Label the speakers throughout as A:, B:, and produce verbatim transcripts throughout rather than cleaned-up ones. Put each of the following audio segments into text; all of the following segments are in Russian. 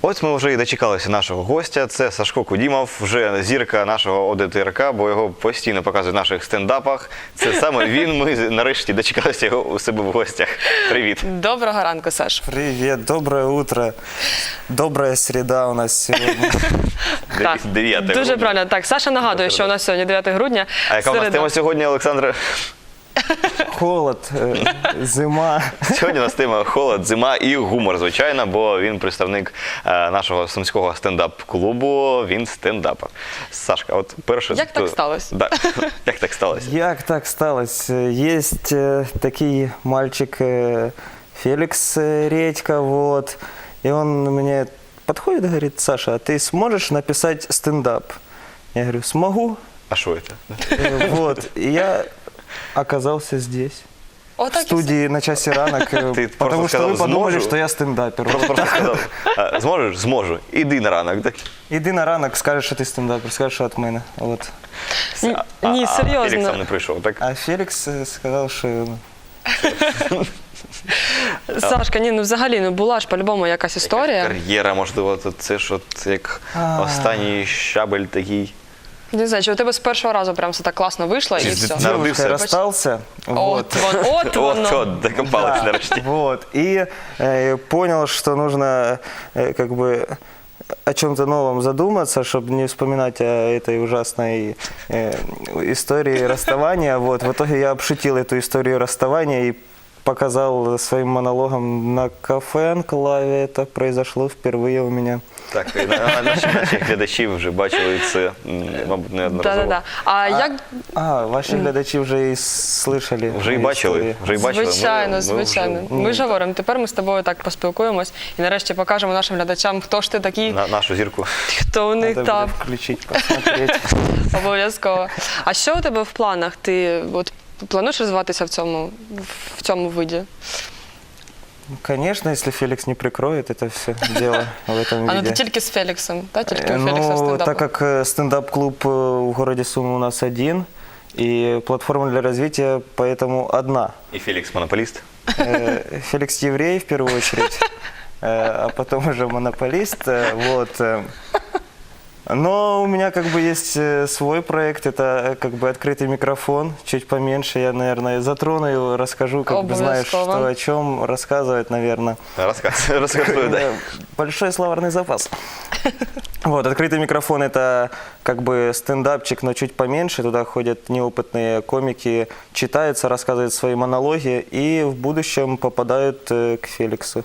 A: Ось ми вже і дочекалися нашого гостя. Це Сашко Кудімов, вже зірка нашого О Д Т Р К, бо його постійно показують в наших стендапах. Це саме він. Ми нарешті дочекалися його у себе в гостях. Привіт.
B: Доброго ранку, Саш.
C: Привет, доброе утро. Добрая среда у нас сегодня.
B: Так,
A: дев'яте
B: дуже
A: грудня.
B: правильно. Так, Саша нагадує, що у нас сьогодні дев'яте грудня.
A: А яка у нас
B: середа.
A: тема сьогодні, Олександре?
C: Холод, э, зима.
A: Сьогодні у нас тема холод, зима і гумор, звичайно, бо він представник е, нашого сумського стендап-клубу, він стендапер. Сашка, от перше...
B: Як так сталося?
A: Да. Як так сталося?
C: Як так сталося? Есть э, такий мальчик э, Феликс э, Редька, вот. И он мне подходит и говорит: Саша, а ты сможешь написать стендап? Я говорю: смогу.
A: А що це?
C: Э, Вот. И я оказался здесь. В
B: Отак і все.
C: студии на часе ранок, э,
A: Ты
C: потому
A: просто
C: что
A: сказал:
C: вы подумали,
A: «Зможу».
C: что я стендапер.
A: Просто,
C: Вот
A: просто
C: так.
A: сказав, а, зможеш? Зможу. Іди на ранок. Так?
C: Іди на ранок, скажеш, що ти стендапер, скажеш, що від мене. От.
B: Ні,
A: А-
B: ні,
A: а
B: серйозно.
A: Фелікс сам не прийшов, так?
C: А Фелікс е, сказав, що ну,
B: Сашка, ні, ну взагалі, ну була ж по-любому якась історія.
A: Кар'єра, можливо, то це ж от як
C: А.
A: останній щабель такий.
B: Не знаю, чи у тебе з першого разу прям все так класно вийшло і
A: Чи
B: все.
A: з-
C: з
A: Народився.
C: дівчиною розстався.
B: От воно, от
A: От,
B: воно.
A: от, докопались нарешті.
C: Вот. И э, понял, что нужно э, как бы о чем-то новом задуматься, чтобы не вспоминать о этой ужасной э, истории расставания. Вот. В итоге я обшутил эту историю расставания и показал своим монологом на кафе Анклаве. Это произошло впервые у меня.
A: Так, і на- наші, наші глядачі вже бачили це, м, мабуть, неодноразово.
B: Да-да-да. А як
C: А, ваши глядачи уже и слышали.
A: Вже і
C: мои
A: бачили,
C: истории.
A: вже і бачили. Ми-
B: Звичайно,
A: ми
B: звичайно.
A: вже
B: Ми ж говоримо, тепер ми з тобою так поспілкуємось і нарешті покажемо нашим глядачам, хто ж ти такий,
A: на нашу зірку.
B: хто у них
C: Надо
B: там.
C: будет включить, посмотреть.
B: Обов'язково. А що у тебе в планах? Ти от плануєш розвиватися в цьому, в цьому виді?
C: Ну, конечно, если Феликс не прикроет это все дело в этом
B: А ну
C: виде.
B: ти тільки з Феліксом, так? Тільки у
C: Э,
B: Фелікса
C: Ну,
B: стендапу.
C: так как э, стендап-клуб э, в городе Сумы у нас один, и платформа для развития поэтому одна.
A: І Фелікс монополіст.
C: Э, Феликс еврей в первую очередь, э, а потом уже монополист. э, Вот. э. Но у меня как бы есть э, свой проект, это э, как бы открытый микрофон, чуть поменьше. Я, наверное, затрону его, расскажу, как бы знаешь, что
B: Обовязково.
C: о чем рассказывать, наверное.
A: Розказ, розказуй, да.
C: Э, Большой словарный запас. Вот, открытый микрофон — это как бы стендапчик, но чуть поменьше. Туда ходят неопытные комики, читаются, рассказывают свои монологи и в будущем попадают э, к Феликсу.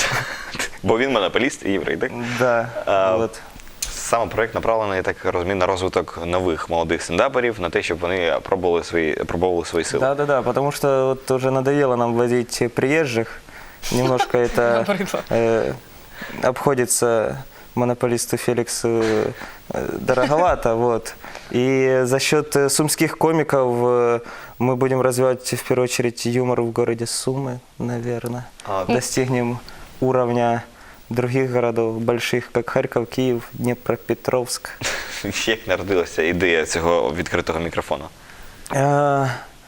A: Бо він монополіст і єврей, так?
C: Да,
A: А,
C: вот.
A: Саме проект направлений, я так розумію, на розвиток нових молодих стендаперів, на те, щоб вони пробували свої, пробували свої сили.
C: Да-да-да, потому что вот уже надоело нам возить приезжих. Немножко это
B: Наприклад.
C: э, обходится монополисту Феликсу э, дороговато, вот. И за счет э, сумских комиков э, мы будем развивать в первую очередь юмор в городе Сумы, наверное.
A: А,
C: Достигнем уровня других городов больших, как Харьков, Киев, Днепропетровск.
A: Як народилася ідея цього відкритого мікрофону?
C: Э,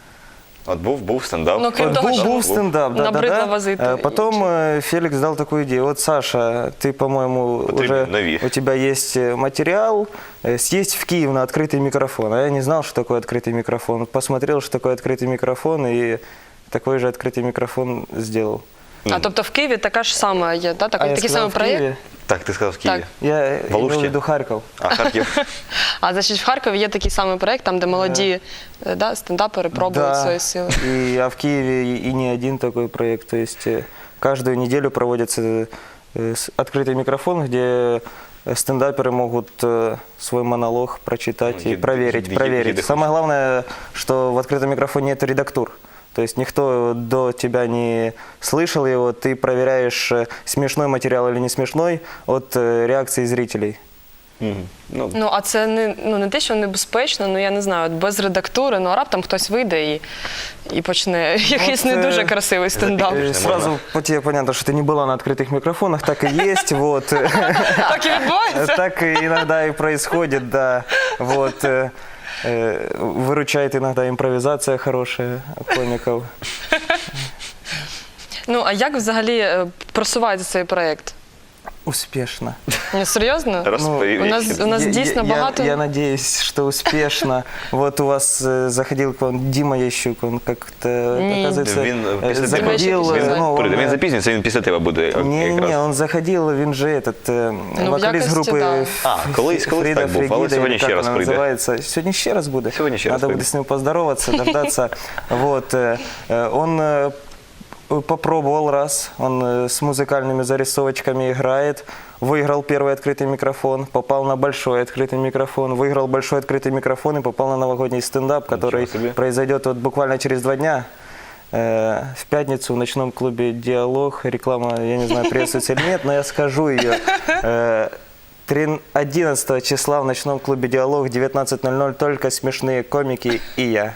A: От був, був стендап.
B: Ну, крім
C: Вот
B: того,
C: был,
B: що
C: был стендап, да, да,
B: набридло
C: да.
B: возити
C: Э, Потом э, Феликс дал такую идею. Вот, Саша, ты, по-моему,
A: Потребен
C: уже
A: нови.
C: у тебя есть э, материал, э, съесть в Киев на открытый микрофон. А я не знал, что такое открытый микрофон. Посмотрел, что такое открытый микрофон, и такой же открытый микрофон сделал.
B: А тобто в Києві така ж сама є, так?
C: А
B: Так,
C: я
B: такий
C: сказал,
B: самий
C: в
B: проєкт?
C: Киеве.
A: Так, ти сказав в Києві.
B: Так.
C: Я э, имел в
A: Алуште?
C: виду Харьков.
A: А, Харків.
B: А значить в Харкові є такий самий проєкт, там де молоді е, да, стендапери пробують свої сили.
C: И, а в Киеве и, и не один такой проект. То есть э, каждую неделю проводится э, с- открытый микрофон, где э, стендаперы могут э, свой монолог прочитать
A: Ну,
C: и
A: еды-
C: проверить.
A: еды-
C: проверить.
A: еды
C: Самое главное, что в открытом микрофоне нет редактур. То есть никто до тебя не слышал его, ты проверяешь, э, смешной материал или не смешной от э, реакции зрителей.
A: Мгм. Ну,
B: Ну, а це не, ну, не те, що небезпечно, ну я не знаю, от без редактури, ну а раптом хтось вийде і, і почне якийсь не
C: е,
B: дуже красивий стендап.
C: Э,
A: Конечно,
C: Сразу
A: можно.
C: по тебе понятно, что ты не была на открытых микрофонах, так и есть, вот.
B: Так і відбувається?
C: Так и иногда и происходит, да. Вот. э, э, Выручает иногда импровизация хорошая комиков.
B: Ну, а як взагалі е, просувається цей проєкт?
C: Успешно.
B: Ні, серйозно?
A: Розповів.
B: у нас- у нас
C: Я-
B: дійсно
C: я,
B: багато-
C: Я, я надеюсь, что успешно. Вот у вас э, заходил к вам Дима Ящук, он как-то,
B: Не.
C: оказывается,
A: Він
C: э,
A: після тебе
C: заходил...
B: Дима Ящук
C: э, ну,
A: Прийде,
C: он,
A: він
C: э,
A: запізнюється, він після тебе буде як-
C: Не,
A: якраз.
C: не, он заходил, он же этот, э,
B: Ну, в
C: вокалист
B: якості,
C: группы
B: да.
A: А, колись- колись
C: Фрида
A: так був, але
C: Фригида,
A: сьогодні
C: или
A: ще
C: как
A: раз
C: она
A: прийде.
C: называется. Сегодня ще раз будет?
A: Сьогодні ще раз
C: Надо
A: прийде.
C: будет с ним поздороваться, дождаться. Вот, э, э, он э, попробовал раз, он э, с музыкальными зарисовочками играет, выиграл первый открытый микрофон, попал на большой открытый микрофон, выиграл большой открытый микрофон и попал на новогодний стендап, который
A: себе.
C: произойдет вот буквально через два дня. Э, В пятницу в ночном клубе «Диалог». Реклама, я не знаю, приветствуется или нет, но я скажу ее. Э, трин- одиннадцатого числа в ночном клубе «Диалог» девятнадцать ноль ноль только смешные комики и я.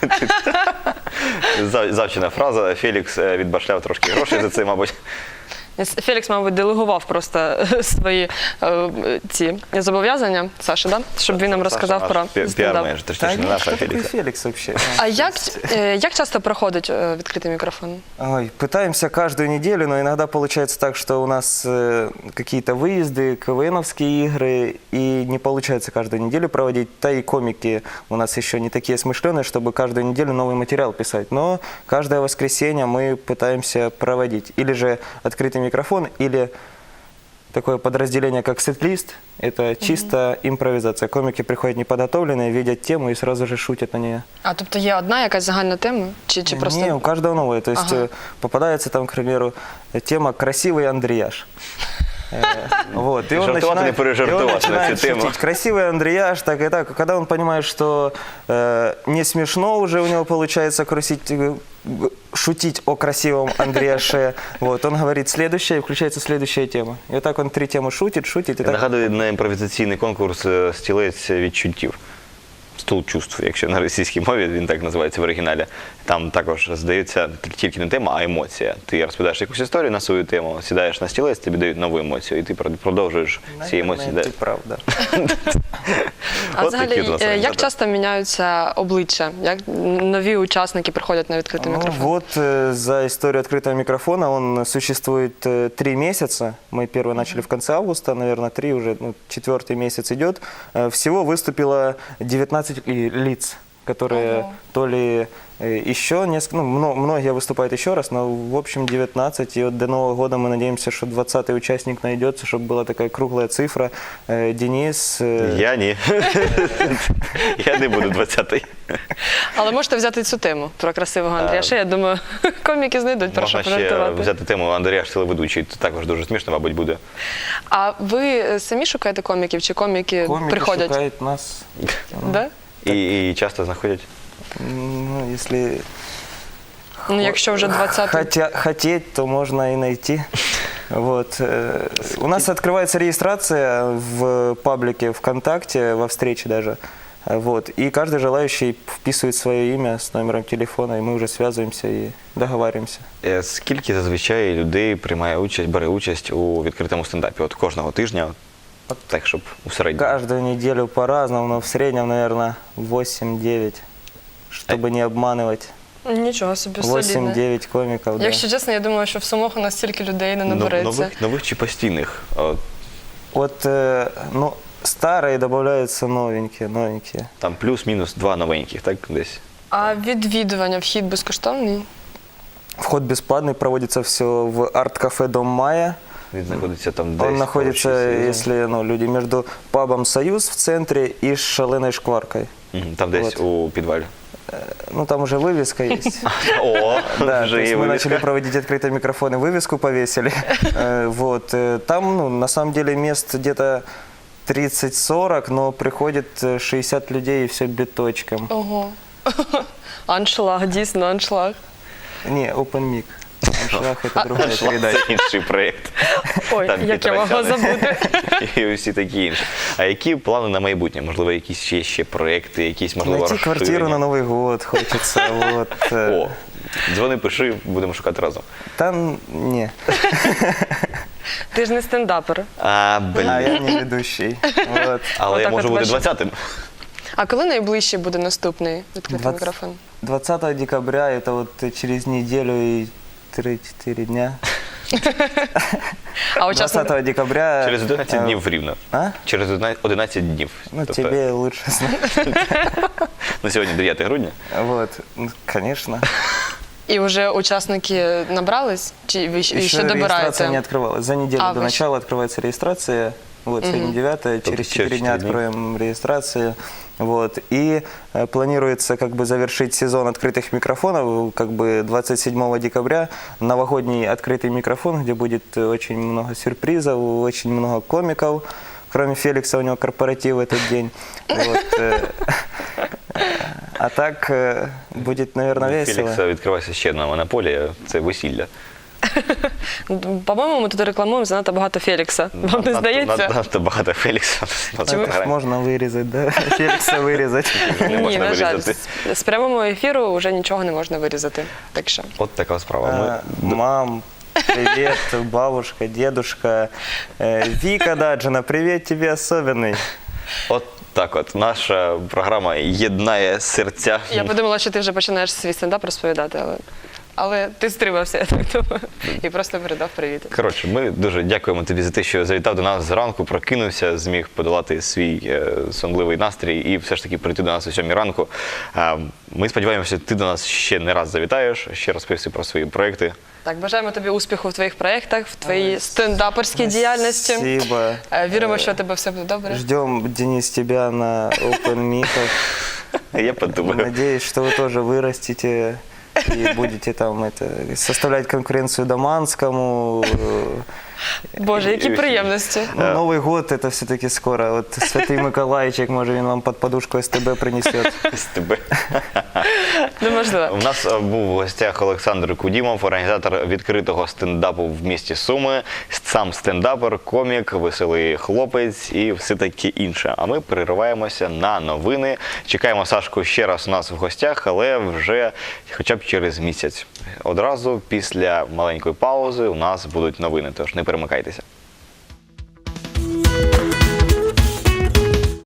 A: Зав- Завчена фраза. Фелікс е, відбашляв трошки грошей за це, мабуть.
B: Фелікс, мабуть, делегував просто свої е, ці зобов'язання, Саша, да? Щоб він нам розказав
A: Саша
B: про
A: наш пі-
B: стендап.
A: піар-менеджер, точніше, не
C: нет,
A: наша
C: кто такой
A: Фелікса.
C: Феликс вообще?
B: А як, е, як часто проходить е, відкритий мікрофон?
C: Ой, пытаемся каждую неделю, но иногда получается так, что у нас э, какие-то выезды, КВНовские игры, и не получается каждую неделю проводить. Да и комики у нас еще не такие смышленые, чтобы каждую неделю новый материал писать. Но каждое воскресенье мы пытаемся проводить. Или же открытый микрофон, или такое подразделение, как сет-лист. Это чисто импровизация. Комики приходят неподготовленные, видят тему и сразу же шутят на нее.
B: А тобто є одна якась загальна тема? Чи, чи просто...
C: Не, у каждого новое. То есть
B: Ага.
C: э, попадается там, к примеру, тема «Красивый Андреяш». Э, Вот, и он
A: Жартовать
C: начинает,
A: или пережартовать
C: и он
A: на
C: начинает
A: эту тему?
C: шутить. Красивый Андреяш, так и так. Когда он понимает, что э, не смешно уже у него получается крутить, э, г- шутить о красивом Андреяше, вот, он говорит следующее, и включается следующая тема. И вот так он три темы шутит, шутит. И так...
A: Нагадую на імпровізаційний конкурс е, «Стілець відчуттів». Стул чувств, якщо на російській мові він так називається в оригіналі. Там також здається тільки не тема, а емоція. Ти розповідаєш якусь історію на свою тему, сідаєш на стілець, тобі дають нову емоцію, і ти продовжуєш ці емоції.
C: Наверное,
A: Да.
C: ты прав, да.
B: А
A: От такі
B: взагалі,
A: от у нас
B: е, як
A: результати.
B: часто міняються обличчя? Як нові учасники приходять на відкритий
C: Ну,
B: мікрофон?
C: вот э, за историю открытого микрофона он существует э, три месяца. Мы первый начали в конце августа, наверное, три уже, ну, четвертый месяц идет. Э, всего выступило девятнадцать ли- лиц, которые
B: Ого.
C: то ли э, еще несколько, ну, мно- многие выступают еще раз, но в общем девятнадцать. И вот до Нового года мы надеемся, что двадцатый участник найдется, чтобы была такая круглая цифра. Э, Денис. э,
A: Я ні. Я не буду двадцятий.
B: Але можете взяти цю тему про красивого Андріаша. Я думаю, коміки знайдуть про що
A: Можна ще
B: пожартувати.
A: взяти тему Андрія ж телеведучий, це також дуже смішно, мабуть, буде.
B: А ви самі шукаєте коміків, чи коміки,
C: комики
B: приходять?
C: шукают нас.
B: Да?
A: І, і часто знаходять.
C: Ну, если
B: Ну, якщо вже двадцятий.
C: Хотя, хотеть, то можно и найти. Вот. э, У нас открывается регистрация в паблике ВКонтакте, во встрече даже. Э, Вот. И каждый желающий вписывает свое имя с номером телефона, и мы уже связываемся и договариваемся.
A: Е, Скільки зазвичай людей приймає участь, бере участь у відкритому стендапі? От кожного тижня, от, так, щоб у середньому.
C: Каждую неделю по-разному, но в среднем, наверное, восемь-девять, чтобы не обманывать.
B: Нічого собі, солідно.
C: восемь-девять комиков, да.
B: Якщо чесно, я думаю, що в Сумах у нас стільки людей не
A: Ну,
B: набереться.
A: нових, нових чи постійних? От,
C: Вот, э, ну, старые добавляются новенькие, новенькие.
A: там плюс-мінус два новеньких, так, десь.
B: А відвідування, вхід безкоштовний?
C: Вход бесплатный, проводится все в арт-кафе «Дом Майя».
A: Він знаходиться там десь.
C: Он находится,
A: поруч із-
C: если ну, люди, между пабом «Союз» в центре и «Шаленой шкваркой».
A: Мгм, там десь
C: Вот.
A: у підвалі.
C: Ну, там уже вывеска есть.
A: О,
C: Да, то
A: вже
C: есть
A: є
C: мы начали
A: вивіска.
C: проводить открытые микрофоны, вывеску повесили. Э, Вот. э, Там, ну, на самом деле, мест где-то тридцать-сорок, но приходит э, шестьдесят людей и все биточком.
B: Ого. Аншлаг, дійсно, аншлаг.
C: Не, open mic. Аншлаг — это другая передача.
A: Це інший проєкт.
B: Ой,
A: Там
B: як я могла
A: Петросяни.
B: забути.
A: І усі такі інші. А які плани на майбутнє? Можливо, якісь ще, ще проєкти, якісь, можливо,
C: Найти квартиру на
A: розширення?
C: Новый год хочется. Вот. э.
A: О, дзвони, пиши, будемо шукати разом.
C: Там не.
B: Ти ж не стендапер.
A: А, блін.
C: А я не ведущий. Вот.
A: Але я
B: Отак
A: можу
B: от
A: бути
B: ваш-
A: двадцятим.
B: А коли найближче буде наступний відкритий
C: Двадцять-
B: мікрофон?
C: двадцатого декабря, это вот через неделю и три-четыре дня.
B: А учасник...
C: двадцатого декабря...
A: Через одинадцять
C: э,
A: днів рівно.
C: А?
A: Через одинадцять днів.
C: Ну,
A: Тобто,
C: тебе лучше знать.
A: ну, сьогодні дев'яте грудня.
C: Вот, ну, конечно.
B: І вже учасники набрались? Чи ви ще,
C: Еще
B: ще
C: регистрация не
B: добираєте?
C: открывалась. За неделю
B: А,
C: до
B: вы
C: начала открывается регистрация. Вот, сегодня девятое, через
A: через
C: четыре дня
A: четыре дня.
C: откроем регистрацию. Вот. И э, планируется как бы завершить сезон открытых микрофонов как бы двадцать седьмого декабря. Новогодний открытый микрофон, где будет очень много сюрпризов, очень много комиков. Кроме Феликса, у него корпоратив в этот день. Вот, э, А так э, будет, наверное,
A: У
C: весело.
A: Фелікса відкривається ще одна монополія – це весілля.
B: По-моєму, ми тут рекламуємо занадто багато Фелікса. Вам не
A: Надто-
B: здається?
A: Надто багато Фелікса. на
C: Так
A: програмі.
C: можно вырезать, да? Феликса вырезать.
A: Не
B: Ні,
A: можна
B: на жаль,
A: вирізати.
B: з- з прямого ефіру вже нічого не можна вирізати. Так що.
A: От така справа.
C: А,
A: Ми
C: Мам, привет, бабушка, дедушка. Э, Вика Даджина, привет тебе особенный.
A: От так от. Наша програма єднає серця.
B: Я подумала, що ти вже починаєш свій стендап розповідати, але, але ти стримався, я так думаю, і просто передав привіт.
A: Коротше, ми дуже дякуємо тобі за те, що завітав до нас зранку, прокинувся, зміг подолати свій е, сонливий настрій і все ж таки прийти до нас о сьомій ранку. Е, ми сподіваємося, ти до нас ще не раз завітаєш, ще розповісти про свої проекти.
B: Так, бажаємо тобі успіху в твоїх проєктах, в твоїй стендаперській діяльності.
C: Спасибо.
B: Е, Віримо, що у тебе все буде добре.
C: Ждем, Денис, тебя на Open Meet'ах.
A: Я подумаю.
C: Надеюсь, что вы тоже вырастете и будете там это, составлять конкуренцию Доманскому.
B: Боже, які приємності.
C: Ну, Новый год это все-таки скоро. Вот Святый Миколайчик, может, он вам под подушку СТБ принесет.
A: З тебе.
B: Неможливо.
A: У нас е, був в гостях Олександр Кудімов, організатор відкритого стендапу в місті Суми, сам стендапер, комік, веселий хлопець і все таке інше. А ми перериваємося на новини. Чекаємо Сашку ще раз у нас в гостях, але вже хоча б через місяць. Одразу після маленької паузи у нас будуть новини, тож не перемикайтеся.